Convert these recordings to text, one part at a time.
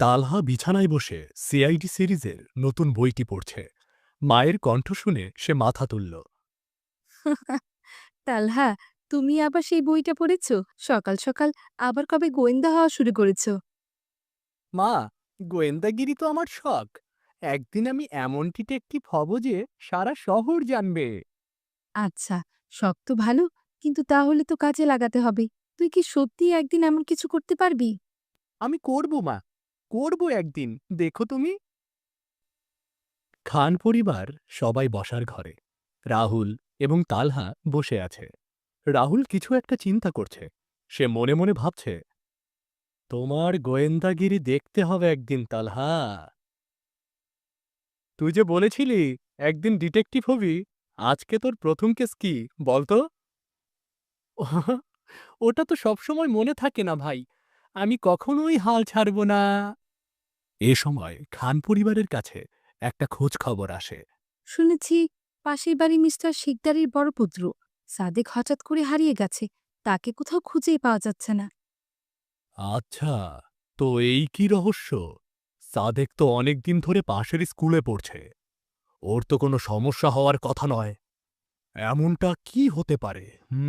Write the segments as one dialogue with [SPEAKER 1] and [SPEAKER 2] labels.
[SPEAKER 1] তালহা বিছানায় বসে সিআইডি সিরিজের নতুন বইটি পড়ছে। মায়ের কণ্ঠ শুনে সে মাথা তুলল।
[SPEAKER 2] তালহা, তুমি আবার সেই বইটা পড়েছ? সকাল সকাল আবার কবে গোয়েন্দা হওয়া শুরু করেছ?
[SPEAKER 1] মা, গোয়েন্দাগিরি তো আমার শখ। একদিন আমি এমন ডিটেকটিভ হব যে সারা শহর জানবে।
[SPEAKER 2] আচ্ছা, শখ তো ভালো, কিন্তু তাহলে তো কাজে লাগাতে হবে। তুই কি সত্যিই একদিন এমন কিছু করতে পারবি?
[SPEAKER 1] আমি করব মা, করব একদিন, দেখো তুমি। খান পরিবার সবাই বসার ঘরে। রাহুল এবং তালহা বসে আছে। রাহুল কিছু একটা চিন্তা করছে। সে মনে মনে ভাবছে, তোমার গোয়েন্দাগিরি দেখতে হবে একদিন তালহা। তুই যে বলেছিলি একদিন ডিটেকটিভ হবি, আজকে তোর প্রথম কেস কি বলতো? ওটা তো সবসময় মনে থাকে না ভাই, আমি কখনোই হাল ছাড়ব না। এ সময় খান পরিবারের কাছে একটা খোঁজ খবর আসে।
[SPEAKER 2] শুনেছি পাশের বাড়ি মিস্টার শিকদারের বড় পুত্র সাদেক হঠাৎ করে হারিয়ে গেছে। তাকে কোথাও খুঁজেই পাওয়া যাচ্ছে না।
[SPEAKER 1] আচ্ছা, তো এই কি রহস্য? সাদেক তো অনেকদিন ধরে পাশের স্কুলে পড়ছে। ওর তো কোনো সমস্যা হওয়ার কথা নয়। এমনটা কি হতে পারে?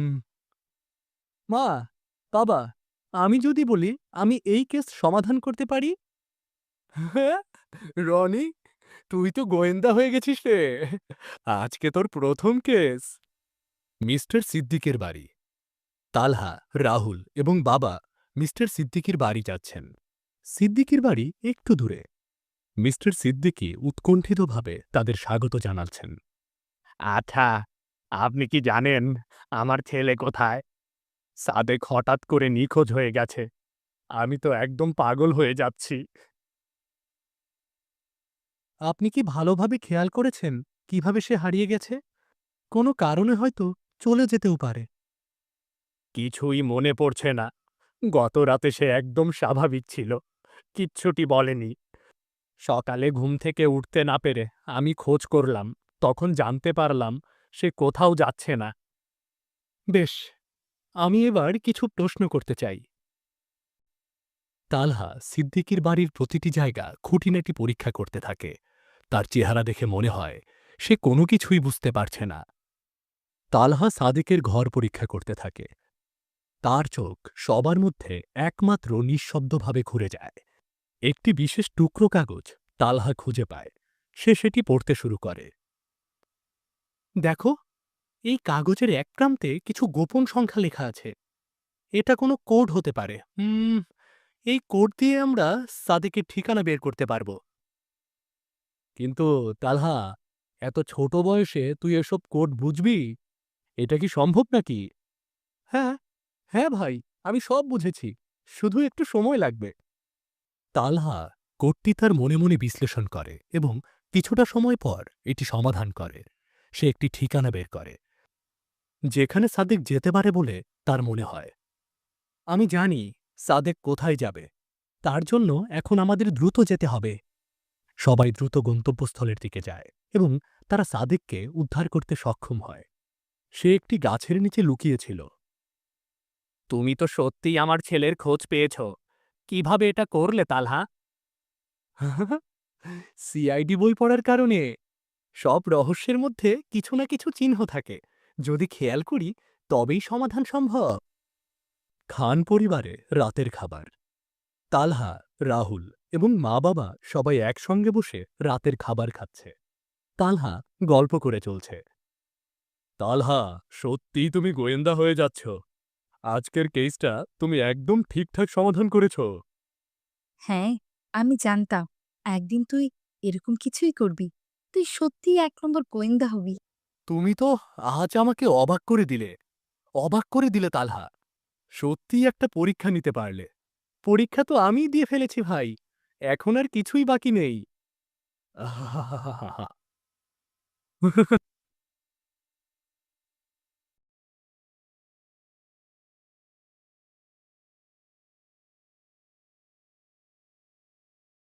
[SPEAKER 1] মা, বাবা, আমি যদি বলি আমি এই কেস সমাধান করতে পারি? হ্যাঁ, রনি, তুই তো গোয়েন্দা হয়ে গেছিস রে। আজকে তোর প্রথম কেস। মিস্টার সিদ্দিকের বাড়ি। তালহা, রাহুল এবং বাবা মিস্টার সিদ্দিকির বাড়ি যাচ্ছেন। সিদ্দিকির বাড়ি একটু দূরে। মিস্টার সিদ্দিকী উৎকণ্ঠিতভাবে তাদের স্বাগত জানাচ্ছেন। আচ্ছা, আপনি কি জানেন আমার ছেলে কোথায়? সাদেক হঠাৎ করে নিখোঁজ হয়ে গেছে। আমি তো একদম পাগল হয়ে যাচ্ছি। আপনি কি ভালোভাবে খেয়াল করেছেন কিভাবে সে হারিয়ে গেছে? কোনো কারণে হয়তো চলে যেতেও পারে। কিছুই মনে পড়ছে না। গত রাতে সে একদম স্বাভাবিক ছিল। কিচ্ছুটি বলেনি। সকালে ঘুম থেকে উঠতে না পেরে আমি খোঁজ করলাম। তখন জানতে পারলাম সে কোথাও যাচ্ছে না। বেশ, আমি এবার কিছু প্রশ্ন করতে চাই। তালহা সিদ্দিকির বাড়ির প্রতিটি জায়গা খুঁটিনাটি পরীক্ষা করতে থাকে। তার চেহারা দেখে মনে হয় সে কোনো কিছুই বুঝতে পারছে না। তালহা সাদেকের ঘর পরীক্ষা করতে থাকে। তার চোখ সবার মধ্যে একমাত্র নিঃশব্দভাবে ঘুরে যায়। একটি বিশেষ টুকরো কাগজ তালহা খুঁজে পায়। সে সেটি পড়তে শুরু করে। দেখো, এই কাগজের এক প্রান্তে কিছু গোপন সংখ্যা লেখা আছে। এটা কোনো কোড হতে পারে। এই কোড দিয়ে আমরা সাদেকের ঠিকানা বের করতে পারব। কিন্তু তালহা, এত ছোট বয়সে তুই এসব কোড বুঝবি? এটা কি সম্ভব নাকি? হ্যাঁ, হ্যাঁ ভাই, আমি সব বুঝেছি। শুধু একটু সময় লাগবে। তালহা কোডটি তার মনে মনে বিশ্লেষণ করে এবং কিছুটা সময় পর এটি সমাধান করে। সে একটি ঠিকানা বের করে, যেখানে সাদেক যেতে পারে বলে তার মনে হয়। আমি জানি সাদেক কোথায় যাবে। তার জন্য এখন আমাদের দ্রুত যেতে হবে। সবাই দ্রুত গন্তব্যস্থলের দিকে যায় এবং তারা সাদেককে উদ্ধার করতে সক্ষম হয়। সে একটি গাছের নিচে লুকিয়েছিল। তুমি তো সত্যিই আমার ছেলের খোঁজ পেয়েছ। কিভাবে এটা করলে তালহা? সিআইডি বই পড়ার কারণে। সব রহস্যের মধ্যে কিছু না কিছু চিহ্ন থাকে। যদি খেয়াল করি তবেই সমাধান সম্ভব। খান পরিবারে রাতের খাবার। তালহা, রাহুল এবং মা বাবা সবাই একসঙ্গে বসে রাতের খাবার খাচ্ছে। তালহা গল্প করে চলছে। তালহা, সত্যিই তুমি গোয়েন্দা হয়ে যাচ্ছ। আজকের কেসটা তুমি একদম ঠিকঠাক সমাধান করেছ।
[SPEAKER 2] হ্যাঁ, আমি জানতাম একদিন তুই এরকম কিছুই করবি। তুই সত্যিই এক নম্বর গোয়েন্দা হবি।
[SPEAKER 1] তুমি তো আজ আমাকে অবাক করে দিলে। অবাক করে দিলে তালহা। সত্যিই একটা পরীক্ষা নিতে পারলে। পরীক্ষা তো আমিই দিয়ে ফেলেছি ভাই। এখন আর কিছুই বাকি নেই। আহাহাহাহা।